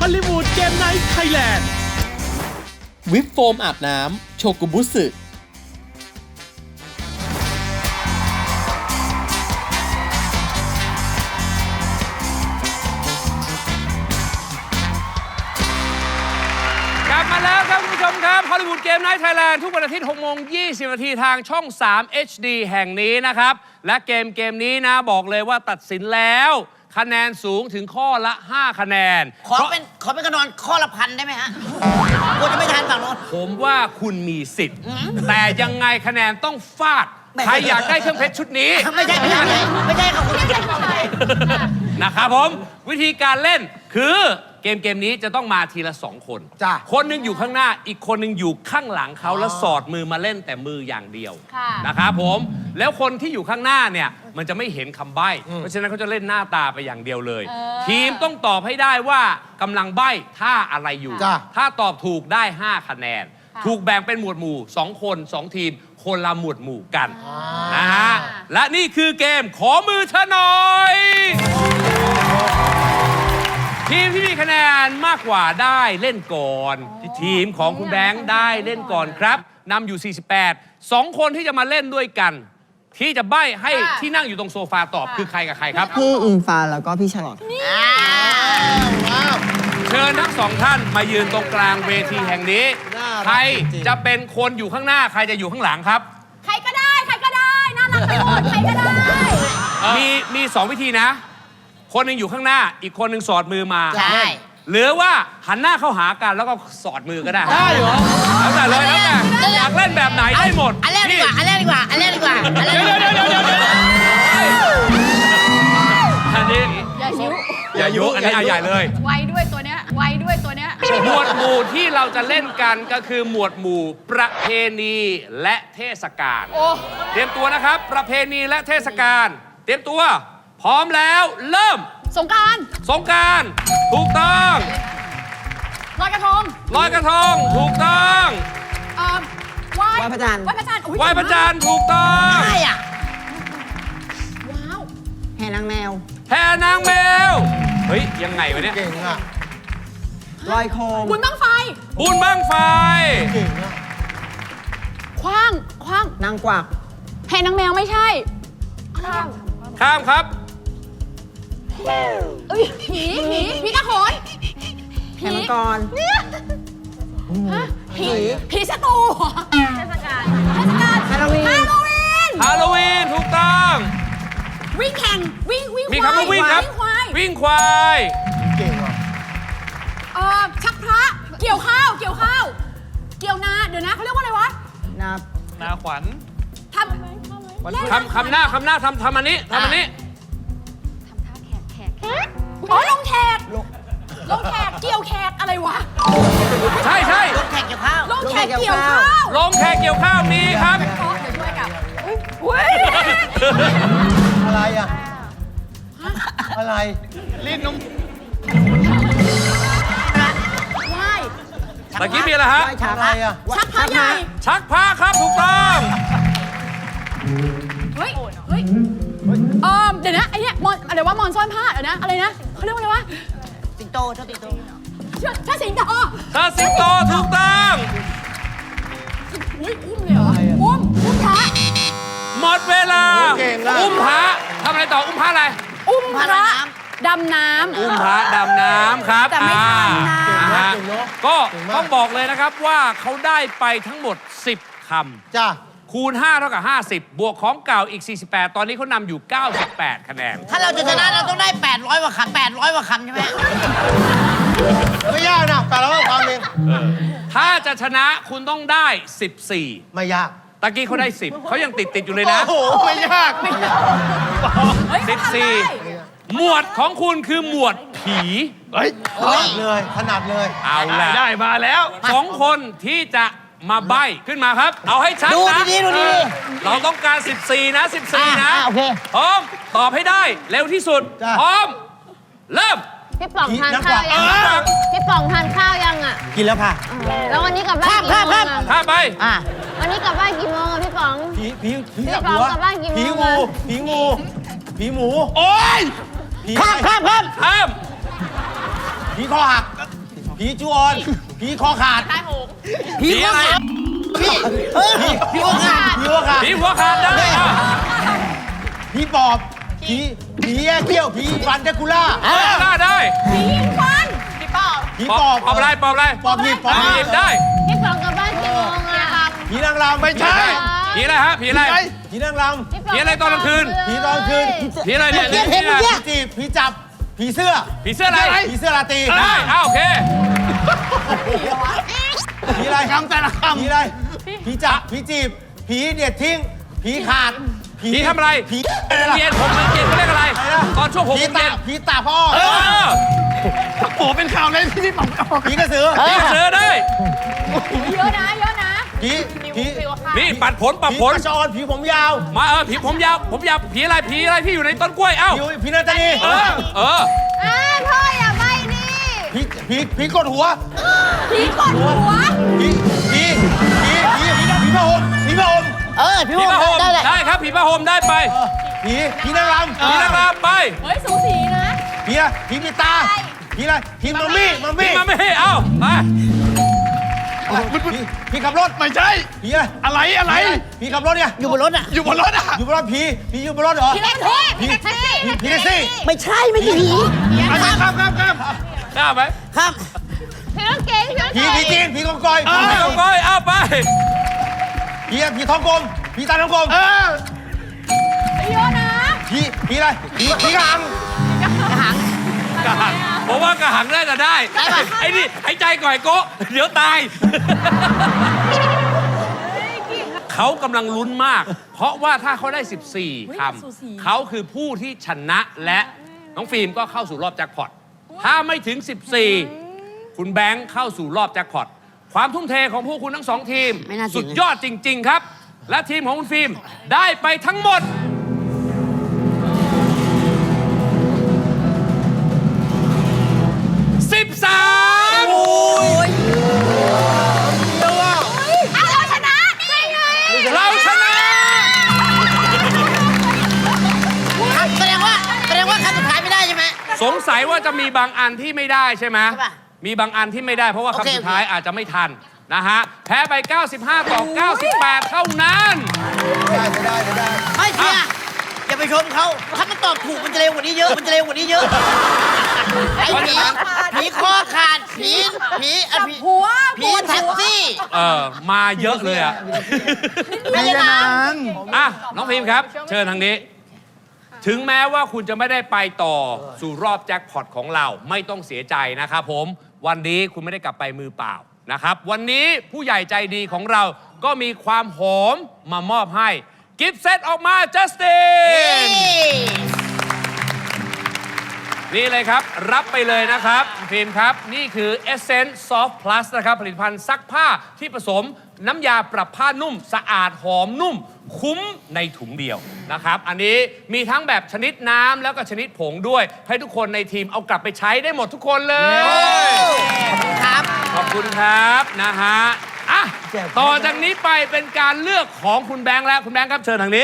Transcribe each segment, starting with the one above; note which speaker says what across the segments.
Speaker 1: อลลีวูดเกมไนท์ไทยแลนด์วิปโฟมอาบน้ำโชกุบุสึ
Speaker 2: กลับมาแล้วครับคุณผู้ชมครับฮอลลีวูดเกมไนท์ไทยแลนด์ทุกวันอาทิตย์6:20 น.ทางช่อง 3 HD แห่งนี้นะครับและเกมนี้นะบอกเลยว่าตัดสินแล้วคะแนนสูงถึงข้อละ 5 คะแนน
Speaker 3: ขอเป็นกระนอนข้อละ1,000ได้ไหมฮะกูจะไม่ทันฝั่งโน้น
Speaker 2: ผมว่าคุณมีสิทธิ์แต่ยังไงคะแนนต้องฟาดใครอยากได้เครื่องเพชรชุดนี้
Speaker 3: ไม่ใช่ครับคุณ
Speaker 2: นะครับผมวิธีการเล่นคือเกมนี้จะต้องมาทีละ2 คนคนหนึ่งอยู่ข้างหน้าอีกคนหนึ่งอยู่ข้างหลังเขาแล้วสอดมือมาเล่นแต่มืออย่างเดียวนะครับผมแล้วคนที่อยู่ข้างหน้าเนี่ยมันจะไม่เห็นคำใบ้เพราะฉะนั้นเขาจะเล่นหน้าตาไปอย่างเดียวเลยทีมต้องตอบให้ได้ว่ากำลังใบ้ท่าอะไรอยู่ถ้าตอบถูกได้5 คะแนนถูกแบ่งเป็นหมวดหมู่2 คน2 ทีมคนละหมวดหมู่กันนะฮะและนี่คือเกมขอมือเธอหน่อยทีมที่มีคะแนนมากกว่าได้เล่นก่อนทีมของคุณแบงค์ได้เล่นก่อนครับนำอยู่48 2 คนที่จะมาเล่นด้วยกันที่จะใบ้ให้ที่นั่งอยู่ตรงโซฟาตอบคือใครกับใครครับ
Speaker 4: พี่อิงฟ้าแล้วก็พี่ชลอต
Speaker 2: เชิญทั้ง2 ท่านมายืนตรงกลางเวทีแห่งนี้ใครจะเป็นคนอยู่ข้างหน้าใครจะอยู่ข้างหลังครับ
Speaker 5: ใครก็ได้น่ารักไปหมดใครก็ได้
Speaker 2: มี2 วิธีนะคนหนึ่งอยู่ข้างหน้าอีกคนหนึ่งสอดมือมา
Speaker 3: ใช่
Speaker 2: หรือว่าหันหน้าเข้าหากันแล้วก็สอดมือก็ได้
Speaker 4: ได้เหรอ
Speaker 2: แล้วแต่เลยแล้วแต่อยากเล่นแบบไหนได้หมด
Speaker 3: อันแรกดีกว่า
Speaker 2: เดี๋ยวอันนี้อย่ายุอันนี้ใหญ่เลย
Speaker 5: ไวด้วยตัวเนี้ย
Speaker 2: หมวดหมู่ที่เราจะเล่นกันก็คือหมวดหมู่ประเพณีและเทศกาลเตรียมตัวนะครับประเพณีและเทศกาลเตรียมตัวพร้อมแล้วเริ่ม
Speaker 5: สงกรานต์
Speaker 2: ถูกต้อง
Speaker 5: ลอยกระทง
Speaker 2: ถูกต้อง
Speaker 5: ไหว้พระจันทร์
Speaker 2: ถูกต้อง
Speaker 3: ใช่อ่ะ
Speaker 5: ว้าว
Speaker 4: แห่นางแมว
Speaker 2: เฮ้ยยังไงวะเนี่ย
Speaker 4: เก่งอ่ะลอยโคม
Speaker 5: บุญบั้งไฟ
Speaker 4: เก่งอ่ะ
Speaker 5: คว้าง
Speaker 4: นางกวัก
Speaker 5: แห่นางแมวไม่ใช่
Speaker 2: ข้ามครับ
Speaker 5: ผีกระโขน
Speaker 4: แห่มังกร
Speaker 5: ผีสตูเทศกาล
Speaker 4: ฮาโล
Speaker 5: วีน
Speaker 2: ถูกต้อง
Speaker 5: วิ่งแข่งวิ่ง
Speaker 2: มีคำว่าวิ่งครับวิ่งควาย
Speaker 4: เก่งอ่ะ
Speaker 5: ชักพระเกี่ยวข้าวเกี่ยวนาเดี๋ยวนะเขาเรียกว่าอะไรวะ
Speaker 2: นาขวัญ
Speaker 5: ทำ
Speaker 2: หน้าทำอันนี้
Speaker 5: ทำท่าแขกอ๋อลงแขกเกี่ยวแขกอะไรวะ
Speaker 2: ใช่
Speaker 3: ลงแขกเกี่ยวข้าว
Speaker 2: มีครับ
Speaker 5: เดี๋ยวช่วยกับ
Speaker 4: อะไรอ่ะอะไร
Speaker 2: ลิ้นนม
Speaker 5: ว่าย
Speaker 2: ตะกี้มีอะไรฮะ
Speaker 4: อะไรอ่ะ
Speaker 5: ชักพระใหญ่
Speaker 2: ชักพระครับถูกต้อง
Speaker 5: เฮ้ยเดี๋ยวนะไอเนี้ยอะไรวะมอนซ่อนผ้าเดี๋ยวนะอะไรนะเขาเรียกว่าอะไรวะ
Speaker 3: สิงโต
Speaker 5: ถ้าสิงโต
Speaker 2: ถูกต้อง
Speaker 5: อุ้มเลยเหรออุ้มพระ
Speaker 2: หมดเวลาอุ้มพระทำอะไรต่ออุ้มพระอะไร
Speaker 5: อุ้มพระดำน้ำ
Speaker 2: อุ้มพระดำน้ำครับ
Speaker 5: แต่ไม่ทันนะ
Speaker 2: ก็ต้องบอกเลยนะครับว่าเขาได้ไปทั้งหมด10 คำ
Speaker 4: จ้า
Speaker 2: คูณ5เท่ากับ50บวกของเก่าอีก48ตอนนี้เขานำอยู่98 คะแนน
Speaker 3: ถ้าเราจะชนะเราต้องได้800 กว่าคำใช่ไหม
Speaker 4: ไม่ยากนะ800 กว่าคำเอง
Speaker 2: ถ้าจะชนะคุณต้องได้14
Speaker 4: ไม่ยาก
Speaker 2: ตะกี้เขาได้10เขายังติดอยู่เลยนะ
Speaker 4: โอ้โหไม่ยาก
Speaker 2: 14หมวดของคุณคือหมวดผี
Speaker 4: ถนัดเลย
Speaker 2: เอาละได้มาแล้ว2 คนที่จะมาใบ้ขึ้นมาครับเอาให้ชัดนะ
Speaker 3: ดูดี
Speaker 2: เราต้องการ14นะ
Speaker 3: โอเค
Speaker 2: พร้อมตอบให้ได้เร็วที่สุดพร้อมเริ่ม
Speaker 6: พี่ป๋องทานข้าวยังพี่ป๋องทานข้าวยังอ่ะ
Speaker 4: กินแล้วค่ะ
Speaker 6: แล้ววันนี้กลับบ้านกี่โมง
Speaker 2: ข้าไป
Speaker 6: วันนี้กลับบ้านกี่โมงอะพี่ป๋อง
Speaker 4: ผี
Speaker 6: พี่ป๋องกลับบ้านกี่โมง
Speaker 4: ผีหมู
Speaker 2: โอ๊ย
Speaker 3: ข้าม
Speaker 4: ผีคอหักผีจูออน ผีคอขาด
Speaker 5: ตายโหง
Speaker 2: ผีอะไร
Speaker 4: ผีหัวขาด ผีหัวขาด
Speaker 2: ผีหัวขาดได้อ่ะ
Speaker 4: ผีปอบ ผีแย่เขี้ยว ผีฟันเดกูล่า
Speaker 2: ได้
Speaker 5: ผียิงฟันผีปอบ
Speaker 4: ผีปอบ
Speaker 2: ปอบอะไร
Speaker 4: ปอบหนีบปอบหนีบ
Speaker 2: ได้
Speaker 6: พี่ป๋องกลับบ้านกี่โมงอะ
Speaker 4: ผีนางรำไม่ใช่
Speaker 2: ผีอะไรฮะ ผีอะไร
Speaker 4: ผีนางร
Speaker 6: พี่ป๋ง
Speaker 2: ผีอะไรตอนกลางคืน
Speaker 4: ำผีตอนคืน
Speaker 2: ผีอะไรเนี่ย
Speaker 4: ผีจีบ ผีจับ ผีเสื้อ
Speaker 2: ผีเสื้ออะไร
Speaker 4: ผีเสื้อราตรี
Speaker 2: ได้อ้าวโอเค
Speaker 4: ผีอะไรคำแต่ละคำผีอะไร ผีจับ ผีจีบ ผีเด็ดทิ้ง ผีขาด
Speaker 2: ผีทำอะไร
Speaker 4: ผีอะไรล่ะ
Speaker 2: เย็นผมเย็นเขาเรียกอะไร ตอนช่วงผม
Speaker 4: ผี
Speaker 2: เย็
Speaker 4: ตาน ผีตาพ่อ
Speaker 2: เออ
Speaker 4: โอ้เป็นข่าวเลยพี่ป๋องผีกระสือ
Speaker 2: ผีกระสือได้
Speaker 5: เยอะนะเยอะนะ
Speaker 4: ผีผี
Speaker 2: นี่ปัดผลปัด
Speaker 4: ผี
Speaker 2: ผล
Speaker 4: กระชอนผีผมยาว
Speaker 2: มาผีผมยาวผีอะไรที่อยู่ในต้นกล้วยเอ้า
Speaker 4: ผีนาตาลี
Speaker 2: เออ
Speaker 6: อ้าวพ่ออย่าใบดิ
Speaker 4: ผีกดหัว
Speaker 5: ผีกดหัว
Speaker 4: ผีพระห่มผีพระห่ม
Speaker 2: ผีผ้าห่มได้ครับผีผ้าห่มได้ไป
Speaker 4: ผีนางรำ
Speaker 2: ผีนางรำไป
Speaker 5: เฮ้ยสูสีนะ
Speaker 4: ผีปิดตาผีอะไรผีมัมมี่
Speaker 2: ผีมาไม่ให้เอ้าไป
Speaker 4: ผีขับรถไม่ใช่ผีอะไรผีขับรถเนี่ยอยู่บนรถอยู่บนรถอยู่บนรถผีอยู่บนรถเหรอ
Speaker 5: ผีแท็กซี่ผีแท็กซี่
Speaker 4: ผีแท็กซี่
Speaker 3: ไม่ใช่ไม่ใช่ผี
Speaker 4: ครับ
Speaker 2: กล้าไหม
Speaker 3: ครับ
Speaker 6: พี่ต้องเก่งพี่ต้อง
Speaker 4: ผี
Speaker 6: เก่ง
Speaker 4: จีนผีกองกอย
Speaker 2: ไปกองก้อยเอ้าไป
Speaker 4: ผีท้องกลมผีตาท้องกลม
Speaker 5: เยอะนะ
Speaker 4: ผีอะไรผีกระหัง
Speaker 2: กระหังผมว่ากระหังได้แต่ได้ ไอ้นี่หายใจก่อยโกะเดี๋ยวตาย เขากำลังลุ้นมาก เพราะว่าถ้าเขาได้ 14 คำ เขาคือผู้ที่ชนะและน้องฟิล์มก็เข้าสู่รอบแจ็คพอต ถ้าไม่ถึง 14 คุณแบงค์เข้าสู่รอบแจ็คพอต ความทุ่มเทของพวกคุณทั้งสองทีม สุดยอดจริง ๆ ครับ และทีมของคุณฟิล์มได้ไปทั้งหมด 13
Speaker 5: เราชนะนี่ไง
Speaker 2: เราชนะ
Speaker 3: แสดงว่าคำสุดท้ายไม่ได้ใช่ไหม
Speaker 2: สงสัยว่าจะมีบางอันที่ไม่ได้ใช่ไหม
Speaker 3: ใช่ปะ
Speaker 2: มีบางอันที่ไม่ได้เพราะว่า
Speaker 3: โอเค
Speaker 2: คำสุดท้ายอาจจะไม่ทันนะฮะ แพ้ไป 95 ต่อ 98 เท่านั้น
Speaker 3: ไม่เชียร์อย่าไปชมเขาถ้ามันตอบถูกมันจะเร็วกว่านี้เยอะไอ้ผีคอขาดผี
Speaker 5: หัว
Speaker 3: ผีแท็กซี่
Speaker 2: มาเยอะเลยอ่ะ
Speaker 3: ไม่ใช่นาง
Speaker 2: อ่ะ น้องพิมพ์ครับ เชิญทางนี้ ถึงแม้ว่าคุณจะไม่ได้ไปต่อสู่รอบแจ็คพอตของเราไม่ต้องเสียใจนะครับผม วันนี้คุณไม่ได้กลับไปมือเปล่านะครับ วันนี้ผู้ใหญ่ใจดีของเราก็มีความหอมมามอบให้ กิฟต์เซตออกมาจัสติน นี่เลยครับ รับไปเลยนะครับฟิล์มครับ นี่คือ Essence Soft Plus นะครับ ผลิตภัณฑ์ซักผ้าที่ผสมน้ำยาปรับผ้านุ่ม สะอาดหอมนุ่ม คุ้มในถุงเดียวนะครับ อันนี้มีทั้งแบบชนิดน้ำแล้วก็ชนิดผงด้วย ให้ทุกคนในทีมเอากลับไปใช้ได้หมดทุกคนเลย
Speaker 3: ครับ
Speaker 2: ขอบคุณครับนะฮะอ่ะต่อจากนี้ไปเป็นการเลือกของคุณแบงค์แล้วคุณแบงค์ครับเชิญทางนี้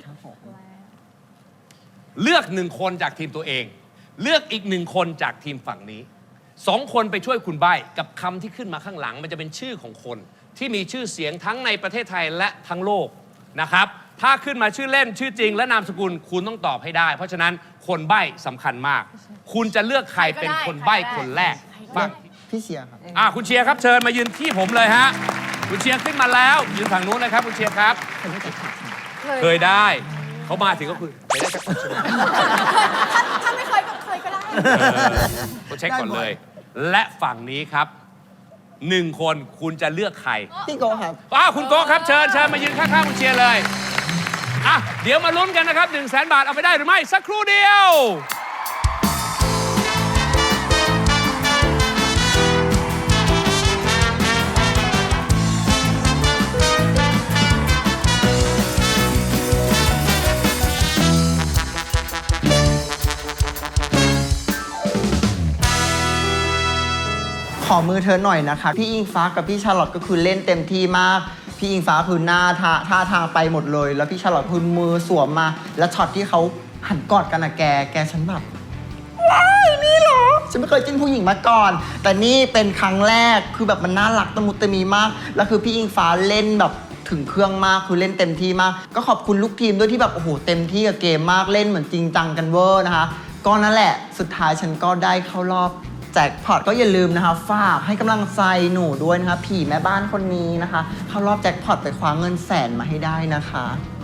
Speaker 2: เลือกหนึ่งคนจากทีมตัวเอง เลือกอีกหนึ่งคนจากทีมฝั่งนี้2 คนไปช่วยคุณใบ้กับคำที่ขึ้นมาข้างหลัง มันจะเป็นชื่อของคนที่มีชื่อเสียงทั้งในประเทศไทยและทั้งโลกนะครับ ถ้าขึ้นมาชื่อเล่นชื่อจริงและนามสกุลคุณต้องตอบให้ได้ เพราะฉะนั้นคนใบ้สำคัญมาก คุณจะเลือกใครเป็นคนใบ้คนแรกฝั่ง
Speaker 7: พี่เชียร์ครับ
Speaker 2: คุณเชียร์ครับเชิญมายืนที่ผมเลยฮะคุณเชียร์ขึ้นมาแล้วยืนฝั่งนู้นเลยครับคุณเชียร์ครับเคยได้เขามาถึงก็คือเคยได้จากคนใช่ไหม
Speaker 5: ถ้าไม่เคยก็เคยก็ได้
Speaker 2: ก็เช็คก่อนเลย และฝั่งนี้ครับ1 คนคุณจะเลือกใคร
Speaker 7: พี่โกครับ
Speaker 2: คุณโก้ครับเชิญมายืนข้างๆคุณเชียร์เลยเดี๋ยวมาลุ้นกันนะครับ 100,000 บาทเอาไปได้หรือไม่สักครู่เดียว
Speaker 7: ขอมือเธอหน่อยนะคะ พี่อิงฟ้ากับพี่ชาร์ลอตก็คือเล่นเต็มที่มาก พี่อิงฟ้าคือหน้าท่าทางไปหมดเลย แล้วพี่ชาร์ลอตคือมือสวมมา แล้วช็อตที่เขาหันกอดกันนะแกฉันแบบว้ายนี่เหรอฉันไม่เคยจิ้นผู้หญิงมาก่อน แต่นี่เป็นครั้งแรกคือแบบมันน่ารักตะมุตะมีมากแล้วคือพี่อิงฟ้าเล่นแบบถึงเครื่องมากคือเล่นเต็มที่มากก็ขอบคุณลูกทีมด้วยที่แบบโอ้โหเต็มที่กับเกมมากเล่นเหมือนจริงจังกันเวอร์นะคะก็นั่นแหละสุดท้ายฉันก็ได้เข้ารอบแจ็คพอตก็อย่าลืมนะคะฝากให้กำลังใจหนูด้วยนะคะผีแม่บ้านคนนี้นะคะเข้ารอบแจ็คพอตไปคว้าเงินแสนมาให้ได้นะคะ